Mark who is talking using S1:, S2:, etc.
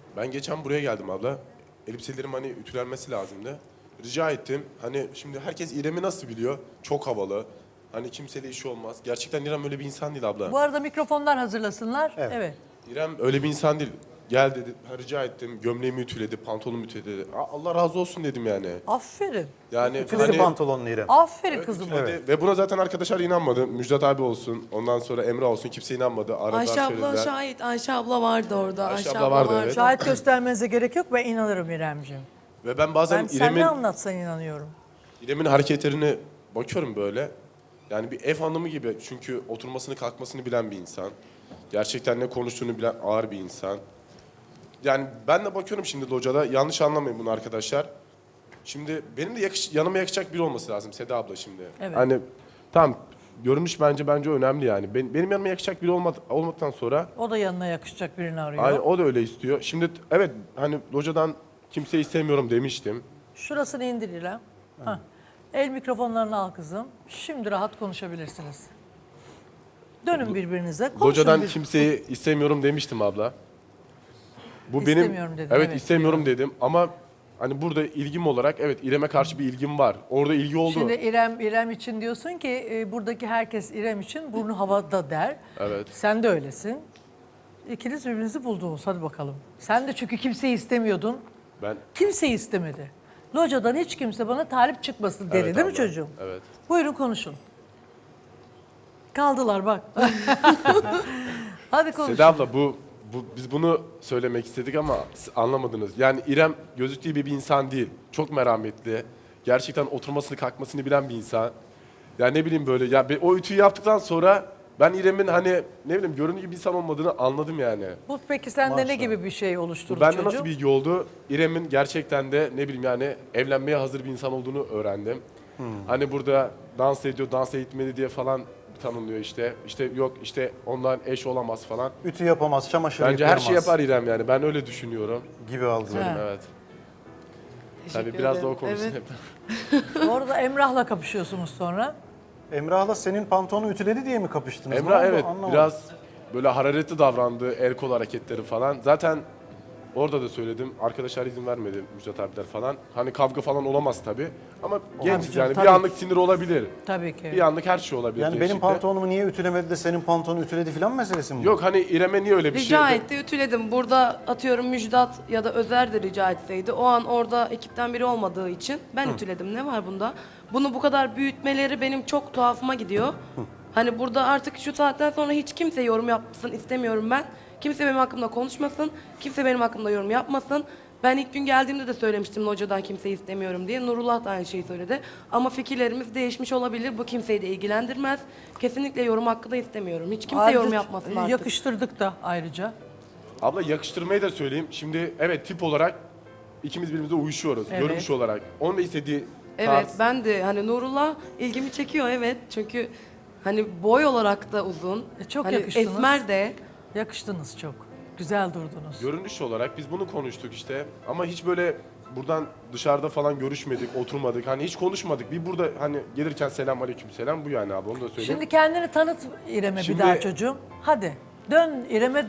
S1: Ben geçen buraya geldim abla. Elbiselerim hani ütülenmesi lazımdı. Rica ettim. Hani şimdi herkes İrem'i nasıl biliyor? Çok havalı. Hani kimseyle işi olmaz. Gerçekten İrem öyle bir insan değil abla.
S2: Bu arada mikrofonlar hazırlasınlar.
S3: Evet.
S2: Evet.
S1: İrem öyle bir insan değil. Gel dedi. Ha, rica ettim. Gömleğimi ütüledi, pantolonumu ütüledi. Allah razı olsun dedim yani.
S2: Aferin.
S1: Yani
S3: Ütüledi pantolonunu İrem.
S2: Aferin
S1: Evet,
S2: kızım.
S1: ütüledi. Ve buna zaten arkadaşlar inanmadı. Müjdat abi olsun, ondan sonra Emre olsun, kimse inanmadı. Aradılar,
S4: Ayşe abla
S1: söylediler.
S4: şahit. Ayşe abla vardı orada.
S1: Ayşe abla vardı, evet.
S2: Şahit göstermenize gerek yok. Ben inanırım İremciğim.
S1: Ve ben bazen
S2: Ben sen
S1: İrem'in
S2: ne anlatsan inanıyorum.
S1: hareketlerine bakıyorum böyle. Yani bir ev hanımı gibi. Çünkü oturmasını kalkmasını bilen bir insan. Gerçekten ne konuştuğunu bilen ağır bir insan. Yani ben de bakıyorum şimdi locada. Yanlış anlamayın bunu arkadaşlar. Şimdi benim de yanıma yakışacak biri olması lazım Seda abla şimdi.
S2: Evet.
S1: Hani tamam görünüş bence önemli yani. Benim yanıma yakışacak biri olmaktan sonra
S2: O da yanına yakışacak birini arıyor.
S1: hani o da öyle istiyor. Şimdi evet hani locadan kimseyi istemiyorum demiştim.
S2: Şurasını indir İrem. Hah. El mikrofonlarını al kızım. Şimdi rahat konuşabilirsiniz. Dönün birbirinize. Konuşun
S1: Locadan
S2: bir-
S1: kimseyi istemiyorum demiştim abla. Bu
S2: İstemiyorum dedin,
S1: evet
S2: evet,
S1: istemiyorum dedim ama hani burada ilgim olarak evet İrem'e karşı bir ilgim var. Orada ilgi oldu.
S2: Şimdi İrem için diyorsun ki buradaki herkes İrem için burnu havada der.
S1: Evet.
S2: Sen de öylesin. İkiniz birbirinizi buldunuz. Hadi bakalım. Sen de çünkü kimseyi istemiyordun.
S1: Ben
S2: Kimseyi istemedi. Locadan hiç kimse bana talip çıkmasın dedi
S1: Evet
S2: değil mi
S1: abla,
S2: çocuğum?
S1: evet.
S2: Buyurun konuşun. Kaldılar bak. Hadi konuşun.
S1: Seda abla biz bunu söylemek istedik ama siz anlamadınız. Yani İrem gözüktüğü gibi bir insan değil. Çok merhametli. Gerçekten oturmasını kalkmasını bilen bir insan. Ya ne bileyim böyle ya o ütüyü yaptıktan sonra ben İrem'in hani ne bileyim göründüğü gibi bir insan olmadığını anladım yani.
S2: Bu peki sende ne
S3: Maşallah.
S2: gibi bir şey oluşturdu
S1: Bu bende
S2: çocuğum?
S1: nasıl bilgi oldu? İrem'in gerçekten de ne bileyim yani evlenmeye hazır bir insan olduğunu öğrendim. Hani burada dans ediyor, dans etmedi diye falan tanımlıyor işte. İşte yok işte ondan eş olamaz falan.
S3: Ütü yapamaz, çamaşır
S1: Bence her
S3: yıkayamaz
S1: şeyi yapar İrem yani. Ben öyle düşünüyorum.
S3: gibi algıladım.
S2: Ha.
S1: Evet.
S4: Teşekkür
S1: Tabii biraz da
S4: ederim.
S1: o konuşsun
S4: Evet.
S1: hep.
S2: Orada Emrah'la kapışıyorsunuz sonra.
S3: Emrah'la senin pantolonu ütüledi diye mi kapıştınız? Ne
S1: Emrah
S3: oldu?
S1: evet
S3: Anlamadım.
S1: biraz böyle hararetli davrandı, el kol hareketleri falan. Zaten orada da söyledim. Arkadaşlar izin vermedi Müjdat abiler falan. Hani kavga falan olamaz tabii. Ama genciz
S2: canım,
S1: yani
S2: tabii.
S1: bir anlık sinir olabilir.
S2: Tabii ki.
S1: Bir anlık her şey olabilir.
S3: Yani benim
S1: gençlikte.
S3: pantolonumu niye ütülemedi de senin pantolonu ütüledi falan meselesi mi bu?
S1: Yok hani İrem'e niye öyle bir
S4: Rica
S1: şey...
S4: etti, ütüledim. Burada atıyorum Müjdat ya da Özer de rica etseydi. O an orada ekipten biri olmadığı için ben ütüledim. Ne var bunda? Bunu bu kadar büyütmeleri benim çok tuhafıma gidiyor. Hani burada artık şu saatten sonra hiç kimse yorum yapsın istemiyorum ben. Kimse benim hakkımda konuşmasın. Kimse benim hakkımda yorum yapmasın. Ben ilk gün geldiğimde de söylemiştim locadan kimseyi istemiyorum diye. Nurullah da aynı şeyi söyledi. Ama fikirlerimiz değişmiş olabilir. Bu kimseyi de ilgilendirmez. Kesinlikle yorum hakkı da istemiyorum. Hiç kimse yorum yapmasın artık.
S2: Yakıştırdık da ayrıca.
S1: Abla yakıştırmayı da söyleyeyim. Şimdi evet tip olarak ikimiz birbirimize uyuşuyoruz.
S2: Evet.
S1: Görünüş olarak. Onun da istediği
S4: Evet
S1: tarz.
S4: ben de hani Nurullah ilgimi çekiyor evet. Çünkü hani boy olarak da uzun.
S2: Çok
S4: hani
S2: yakıştınız.
S4: esmer de.
S2: Yakıştınız çok. Güzel durdunuz.
S1: Görünüş olarak biz bunu konuştuk işte. Ama hiç böyle buradan dışarıda falan görüşmedik, oturmadık. Hani hiç konuşmadık. Bir burada hani gelirken selam aleyküm selam bu yani abi onu da söyleyeyim.
S2: Şimdi kendini tanıt İrem'e bir
S1: Şimdi-
S2: daha çocuğum. Hadi dön İrem'e